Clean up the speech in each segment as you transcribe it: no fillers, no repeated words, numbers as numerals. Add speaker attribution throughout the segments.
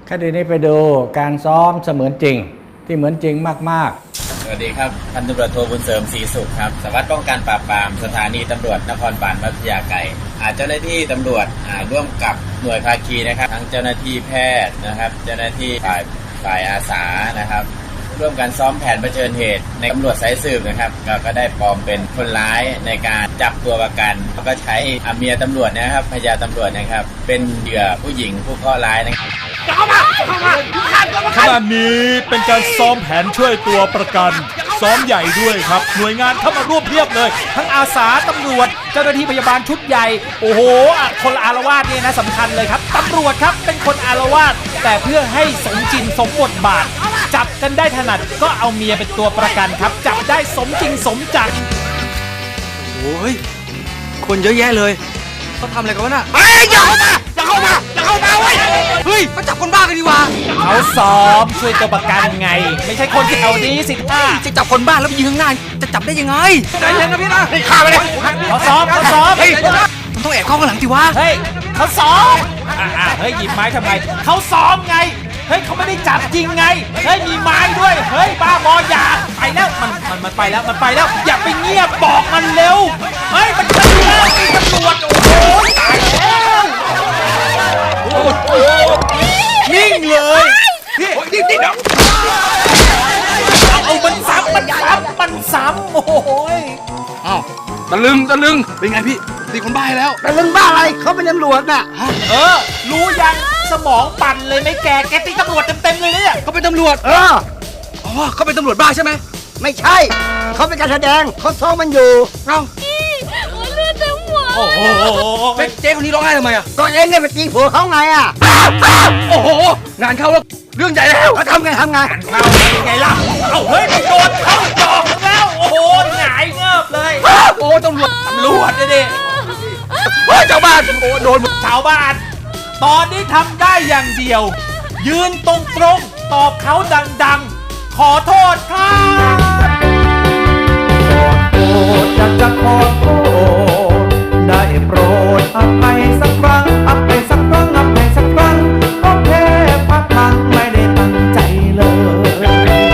Speaker 1: คดีนี้ไปดูการซ้อมเสมือนจริงที่เหมือนจริงมากๆ
Speaker 2: สวัสดีครับพันตำรวจโทบุญเสริมศรีสุขครับสารวัตรป้องกันปราบปรามสถานีตำรวจนครบาลพัทยาไกรเจ้าหน้าที่ตำรวจร่วมกับหน่วยภาคีนะครับทั้งเจ้าหน้าที่แพทย์นะครับเจ้าหน้าที่ฝ่ายอาสานะครับร่วมกันซ้อมแผนเผชิญเหตุในตำรวจสายสืบนะครับก็ได้ปลอมเป็นคนร้ายในการจับตัวประกันแล้วก็ใช้เมียตำรวจนะครับภรรยาตำรวจนะครับเป็นเหยื่อผู้หญิงผู้เคราะห์ร้ายนะครับ
Speaker 3: ขณะนี้เป็นการซ้อมแผนช่วยตัวประกันซ้อมใหญ่ด้วยครับหน่วยงานเข้ามาร่วมเพียบเลยทั้งอาสาตำรวจเจ้าหน้าที่พยาบาลชุดใหญ่โอ้โหคนละอารวาสเนี่ยนะสำคัญเลยครับตำรวจครับเป็นคนอารวาสแต่เพื่อให้สมจริงสมบทบาทจับกันได้ถนัดก็เอาเมียเป็นตัวประกันครับจับได้สมจริงสมจัง
Speaker 4: โอ้ยคนเยอะแยะเลยเขาทำอะไรกันวะน่ะอย่าเข้ามาเว้ยเฮ้ยมาจับคนบ้ากันดีกว่า
Speaker 3: เขาซ้อมช่วยตัวประกันไงไม่ใช่คนที่แถวนี้สิท่า
Speaker 4: จะจับคนบ้าแล้วไปยิงข้างหน้าจะจับได้ยังไงใจเย็นนะพี่นะฆ่าไปเลย
Speaker 3: เขาซ้อม
Speaker 4: มันต้องแอบเข้าข้างหลังสิวะ
Speaker 3: เฮ้ยเขาซ้อมเฮ้ยหยิบไม้ทำไมเขาซ้อมไงเฮ้ยเขาไม่ได้จับจริงไงเฮ้ยมีไม้ด้วยเฮ้ยบ้าบออย่าไปแล้วมันไปแล้วอย่าไปเงียบบอกมันเร็วเฮ้ยมันจะแล้วมีตำรวจโอ้โหตายแล้วโอ้โหนิ่งเลยพี่นิ่งเอามันซ้ำโอ้โห
Speaker 4: อ้าวตะลึงเป็นไงพี่ตีคนบ้าแล้ว
Speaker 1: ตะลึงบ้าอะไรเขาเป็นตำรวจน่ะ
Speaker 3: รู้ยังสมองปั่นเลยไหมแกตีตำรวจเต็มเลยเนี่ย
Speaker 4: เขาเป็นตำรวจเขาเป็นตำรวจบ้าใช่ไหม
Speaker 1: ไม่ใช่เขาเป็นการแสดงเขาซ้อมมันอยู่
Speaker 4: เอ้า
Speaker 5: เลือดเต็มหัว
Speaker 3: โอ้โห
Speaker 4: เจ๊คนนี้ร้องไห้ทำไมอ่ะ
Speaker 1: ตัวเองเนี่ยไปตีผัวเขาไงอ่ะ
Speaker 4: โอ้โหงานเข้าแล้วเรื่องใหญ่แล้ว
Speaker 1: เขาทำไง
Speaker 3: เข้ายังไงล่ะเฮ้ยไปโดนเข้าจอกแล้วโอ้โหหงายเงิบเลย
Speaker 4: โอ้ตำรวจ
Speaker 3: ดิ
Speaker 4: ชาวบ้านโอ้โดน
Speaker 3: ชาวบ้านตอนนี้ทำได้อย่างเดียวยืนตรงตอบเขาดังๆขอโทษครับ
Speaker 1: จะขอโทษได้โปรดอภัยสักครั้งอภัยสักครั้งก็แค่พักพังไม่ได้ตั้งใจเลย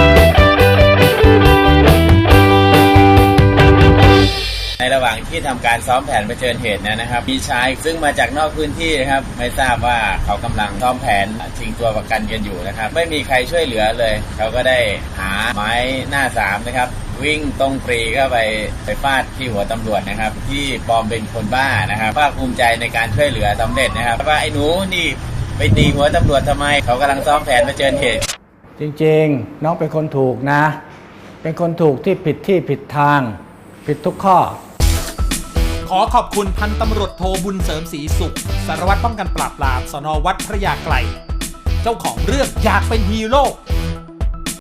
Speaker 2: ในระหว่างที่ทำการซ้อมแผนเผชิญเหตุนะครับมีชายซึ่งมาจากนอกพื้นที่นะครับไม่ทราบว่าเขากำลังซ้อมแผนชิงตัวประกันกันอยู่นะครับไม่มีใครช่วยเหลือเลยเขาก็ได้หาไม้หน้าสามนะครับวิ่งตรงปรีเข้าไปฟาดที่หัวตำรวจนะครับที่ปลอมเป็นคนบ้านะครับภาคภูมิใจในการช่วยเหลือสำเร็จนะครับว่าไอ้หนูนี่ไปตีหัวตำรวจทำไมเขากำลังซ้อมแผนเผชิญเหตุ
Speaker 1: จริงๆน้องเป็นคนถูกนะเป็นคนถูกที่ผิดทางผิดทุกข้อ
Speaker 3: ขอขอบคุณพันตำรวจโทบุญเสริมศรีสุขสารวัตรป้องกันปราบปรามสน.วัดพระยาไกรเจ้าของเรื่องอยากเป็นฮีโร่